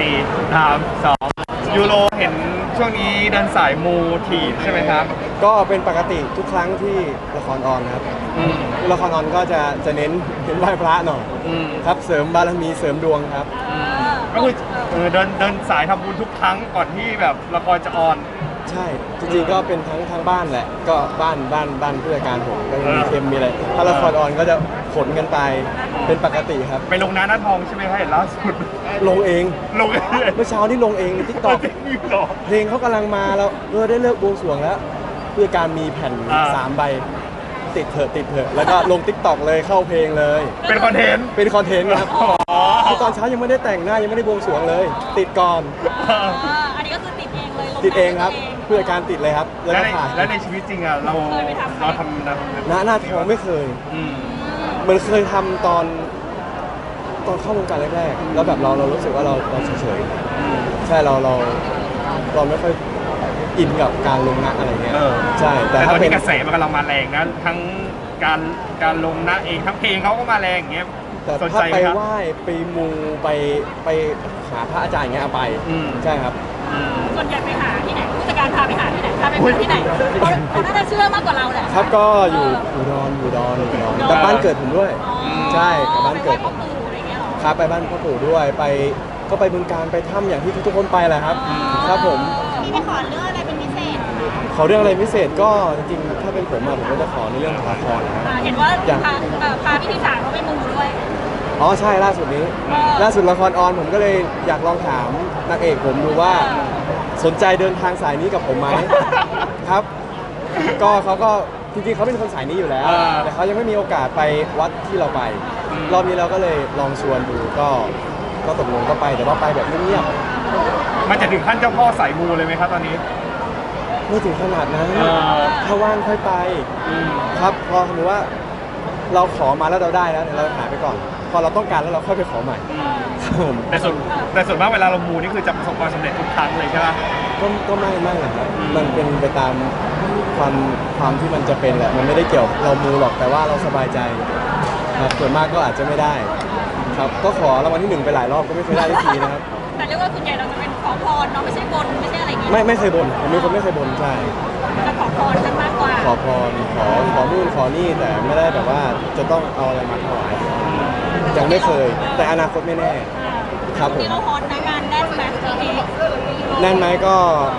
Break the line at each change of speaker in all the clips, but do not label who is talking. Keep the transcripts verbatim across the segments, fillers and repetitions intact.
สี่สามสองยูโรเห็นช่วงนี้เดินสายมูทีใช่ไหมครับ
ก็เป็นปกติทุกครั้งที่ละครออนครับละครออนก็จะจะเน้นเน้นไหว้พระหน่อยครับเสริมบารมีเสริมดวงครับ
ก็คือเดินเดินสายทำบุญทุกครั้งก่อนที่แบบละครจะออน
ใช่จริงๆก็เป็นทั้งทั้งบ้านแหละก็บ้านบ้านบ้านผู้จัดการผมก็มีเค็มมีอะไรถ้าละครออนก็จะขนกันไปเป็นปกติครับ
ไปลงน้าหน้าทองใช่ไหมครับเห็นล่าสุด
ลงเอง
ลงเอง
เมื่อเช้านี่ลงเองทิกตอกเพลงเขากำลังมาแล้วเออได้เลิกบวงสรวงแล้วผู้จัดการมีแผ่นสามใบติดเถอะติดเถอะแล้วก็ลงทิกตอกเลยเข้าเพลงเลย
เป็นคอนเทนต์
เป็นคอนเทนต์ครับคือตอนเช้ายังไม่ได้แต่งหน้ายังไม่ได้บวงสรวงเลยติดก่อน
อันนี้ก็คือติดเองเลย
ติดเองครับผู้จัดการติดเลยครับ
แล้วในแล้วในชีวิตจริงอ่ะเราเราทำนะ
หน้าหน้าทองไม่เคยเหมือนเคยทำตอนตอนเข้าวงการแรกๆแล้วแบบเราเรารู้สึกว่าเราเราเฉยๆใช่เราเราเราไม่ค่อยอินกับการลงหน้าอะไรเงี้ยใช่
แต่ถ้าเป็นกระแสมันกำลังมาแรงนะทั้งการการลงหน้าเองทั้งเพลงเขาก็มาแรงอย่างเงี้ย
แต่ถ้าไปไหว้ไปมูไปไปหาพระอาจารย์อย่างเงี้ยไปใช่ครับ
ส่วนใหญ่ไปหาที่ไหนผู้จัดการพาไปหาที่ไหนพาไปหาที่ไหนเขาน่าจะเชื่อมากกว่าเราแหละ
ครับก็อยู่อุดรอยู่ดอนอยู่ดอนแต่บ้านเกิดผมด้วยใช่กับบ้านเกิดผมครับไปบ้านพ่อปู่ด้วยไปก็ไปบึงการไปถ้ำอย่างที่ทุกๆคนไปแหละครับครับผม
มีไปขอเรื่องอะไรเป็นพิเศษ
ขอเรื่องอะไรพิเศษก็จริงๆถ้าเป็นผมอะผมก็จะขอในเรื่องของละครนะครับ
เห็นว่าพาพาพี่ทีสามเขาไปมูด้วย
อ๋อใช่ล่าสุดนี้ล่าสุดละครออนผมก็เลยอยากลองถามนางเอกผมดูว่าสนใจเดินทางสายนี้กับผมไหมครับก็เขาก็จริงๆเขาเป็นคนสายนี้อยู่แล้วแต่เขายังไม่มีโอกาสไปวัดที่เราไปรอบนี้เราก็เลยลองชวนดูก็ก็ตกลงก็ไปแต่ว่าไปแบบเงียบ
ๆมันจะถึงขั้นเจ้าพ่อสายมูเลยไหมครับตอนนี้
ไม่ถึงขนาดนั้นถ้าว่างค่อยไปครับพอสมมติว่าเราขอมาแล้วเราได้แล้วเราหาไปก่อนพอเราต้องการแล้วเราค่อยไปขอใหม่
แต่ส่วนแต่ส่วนมากเวลาเรามูนี่คือจะประสบความสำเร็จทุกครั้งเลยใช่ไหม
ก็ก็ไม่ไม่นะครับมันเป็นไปตามความความที่มันจะเป็นแหละมันไม่ได้เกี่ยวเรามูหรอกแต่ว่าเราสบายใจครับส่วนมากก็อาจจะไม่ได้ครับก็ขอรางวัลที่หนึ่งไปหลายรอบก็ไม่เคยได้ทีนะครับ
แต่เรียกว่าส่วนใหญ่เราจะเป็นขอพรเนาะไม่ใช่บนไม่ใช่อะไรอย่างเงี้ย
ไม่ไม่เคยบนผมเป็นคนไม่เคยบนใช่
จะขอพรกันมากกว่า
ขอพรขอขอนู่นขอนี่แต่ไม่ได้แบบว่าจะต้องเอาอะไรมาถวายยังไม่เคยแต่อนาคตไม่แน่ครับผม
ที่เราฮอนในงานแน่นไหมทีนี้
แน่นไหมก็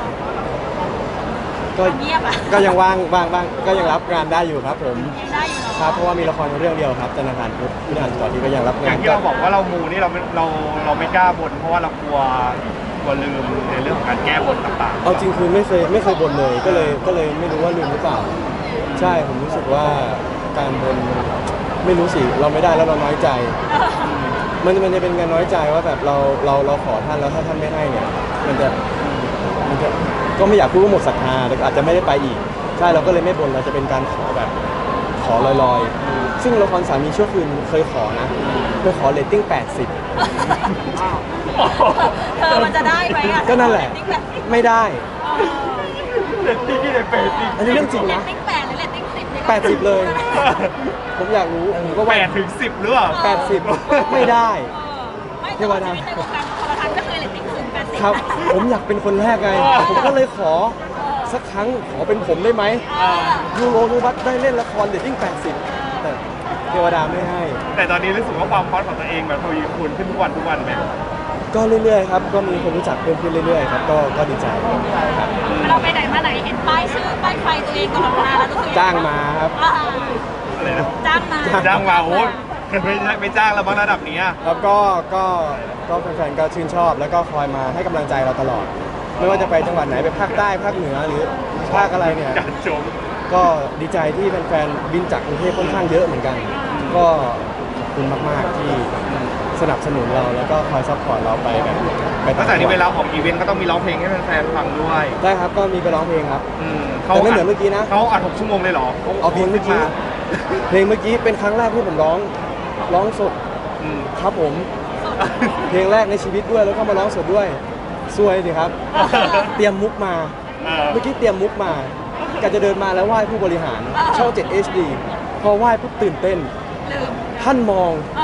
ก็ก็ยังว่างว่างบ้างก็ยังรับงานได้อยู่ครับผม
ได้อยู่
ครับเพราะว่ามีละครเรื่องเดียวครับธนาคารพุทธพิธานต่อที่ก็ยังรับงาน
อย่างที่เราบอกว่าเรามูนี่เราเราเราไม่กล้าบนเพราะว่าเรากลัวกลัวลืมในเรื่องของการแก้บนต่างๆ
เอาจริงคือไม่เคยไม่เคยบนเลยก็เลยก็เลยไม่รู้ว่าลืมหรือเปล่าใช่ผมรู้สึกว่าการบนไม่รู้สิเราไม่ได้แล้วเราน้อยใจมันมันจะเป็นการน้อยใจว่าแบบเราเราเราขอท่านแล้วถ้าท่านไม่ให้เนี่ยมันจะมันจะก็ไม่อยากพูดว่าหมดศรัทธาแต่อาจจะไม่ได้ไปอีกใช่เราก็เลยไม่บนเราจะเป็นการขอแบบขอลอยๆซึ่งละครสามีชั่วคืนเคยขอนะเคยขอเรตติ้งแปดสิบ
เธอมันจะได้ไหมอ่ะ
ก็นั่นแหละไม่ได้
เรตติ้งที่ไหนแปดสิบ
อันนี้เรื่องจริงนะ
เรตติ้งแปดหรือเรตติ้งสิบ
แปดสิบเลยผมอยากรู้ผมก็
แปดถึงสิบหรือเปล่า
แปดสิบไม่ได้
เทวดาในวงการโทรทัศน์ก็เคยเรตติ้งถึงแปดสิบ
ครับผมอยากเป็นคนแรกไงผมก็เลยขอสักครั้งขอเป็นผมได้ไหมยูโรนูบัตได้เล่นละครเรตติ้งแปดสิบแต่เทวดาไม่ให้
แต่ตอนนี้รู้สึกว่าความฮอตของตัวเองแบบทวีคูณขึ้นทุกวันทุกวันไหม
ก็เรื่อยๆครับก็มีคนรู้จักเพิ่มขึ้นเรื่อยๆครับก็ก็ดีใจครับ
เราไปไหนมาไหนเห็นป้ายชื่อป้ายไฟตัวเองตลอดเวลาแล้วรู้สึก
จ้างมาครับ
อะไรนะ
จ้างมา
จ้างมาโอ้ไม่ไม่จ้างแล้วบางระดับนี้
แล้วก็ก็ก็แฟนๆก็ชื่นชอบแล้วก็คอยมาให้กำลังใจเราตลอดไม่ว่าจะไปจังหวัดไหนไปภาคใต้ภาคเหนือหรือภาคอะไรเนี่ยก็ดีใจที่แฟนๆบินจากกรุงเทพค่อนข้างเยอะเหมือนกันก็ขอบคุณมากๆที่สนับสนุนเราแล้วก็คอยซัพพอร์ตเราไปแบบ
ไปตั้งแต่นี้เวลาออกอีเวนต์ก็ต้องมีร้องเพลงให้แฟนๆฟังด้วย
ได้ครับก็มีไปร้องเพลงครับแต่ไม่เหมือนเมื่อกี้นะ
เขาอัดหกชั่วโมงเลยเหรอ
เอาเพลงเมื่อกี้เพลงเมื่อกี้เป็นครั้งแรกที่ผมร้องร้องสดครับผมเพลงแรกในชีวิตด้วยแล้วก็มาร้องสดด้วยสวยสิครับเตรียมมุกมาเมื่อกี้เตรียมมุกมาก็จะเดินมาแล้วไหว้ผู้บริหารช่อง เจ็ด เอช ดี พอไหว้ปุ๊บตื่นเต้นท่านมอง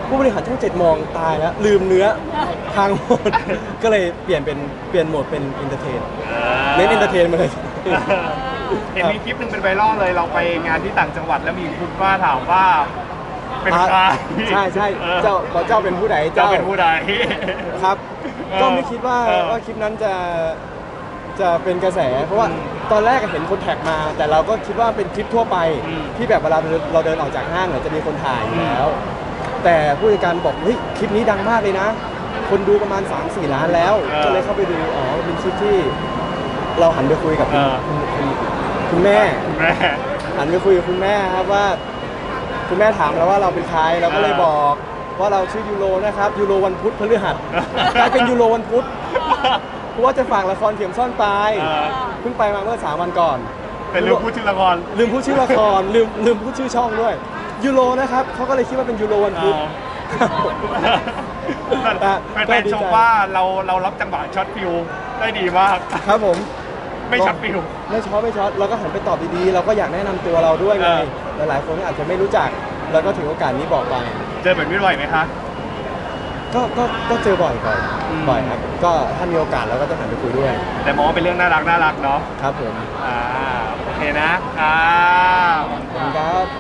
ผู้บริหารช่องเจ็ดมองตายแล้วลืมเนื้อทางหมด ก็เลยเปลี่ยนเป็นเปลี่ยนโหมดเป็นอินเตอร์เทนเน้นอินเตอร์เทนมาเลย
เห็นมีคลิปหนึ่งเป็นไวรัลเลยเราไปงานที่ต่างจังหวัดแล้วมีคุณป้าถามว่าเป็นใคร
ใช่ใช่
ออ
เจ้าบอกเจ้าเป็นผู้ใด
เจ้าเป็นผู้ใด
ครับ
เออ
ก็ไม่คิดว่า
เออ
ว่าคลิปนั้นจะจะเป็นกระแส เพราะว่า
อืม
ตอนแรกเห็นคนแท็กมา แต่เราก็คิดว่าเป็นคลิปทั่วไป
อืม
ที่แบบเวลาเราเดินออกจากห้างเนี่ยจะมีคนถ่ายอยู่แล้ว แต่ผู้จัดการบอกเฮ้ยคลิปนี้ดังมากเลยนะ คนดูประมาณ สามสี่ ล้านแล้ว
เออ
ก็เลยเข้าไปดูอ๋อเป็นคลิปที่เราหันไปคุยกับคุณ
เออ
คุณคุณคุณแม่
คุณแม่
หันไปคุยกับคุณแม่ครับว่า คุณแม่ถามแล้วว่าเราเป็นใครเราก็เลยบอกว่าเราชื่อยูโรนะครับยูโรวันพุธพฤหัสกลายเป็นยูโรวันพุธเพราะว่าจะฝากละครเข็มซ่อนตาย
เออ
เพิ่งไปมาเมื่อสามวันก่อน
เป็นเรื่องพูดชื่อละคร
ลืมพูดชื่อละครลืมลืมพูดชื่อช่องด้วยยูโรนะครับเขาก็เลยคิดว่าเป็นยูโรวันพุธ
แต่
ก็
แต่
ดีใจ
ชมว่าเราเรารับจังหวะช็อตฟิวได้ดีมาก
ครับผม
ไม่ช็อตฟิว
ไม่ช็อตไม่ช็อตเราก็หันไปตอบดีๆเราก็อยากแนะนำตัวเราด้วยไง
เออ
หลายๆคนอาจจะไม่รู้จักแล้วก็ถือโอกาสนี้บอกไป
เจอแบบนี้บ่อยไหมคะ
ก็ก็ก็เจอบ่อยบ่อย
อืม
บ่อยครับ ก็ถ้ามีโอกาสเราก็จะหันไปคุยด้วย
แต่มองว่าเป็นเรื่องน่ารักน่ารักเนาะ
ครับผม
อ่าโอเคนะอ่า
ขอบคุณครับ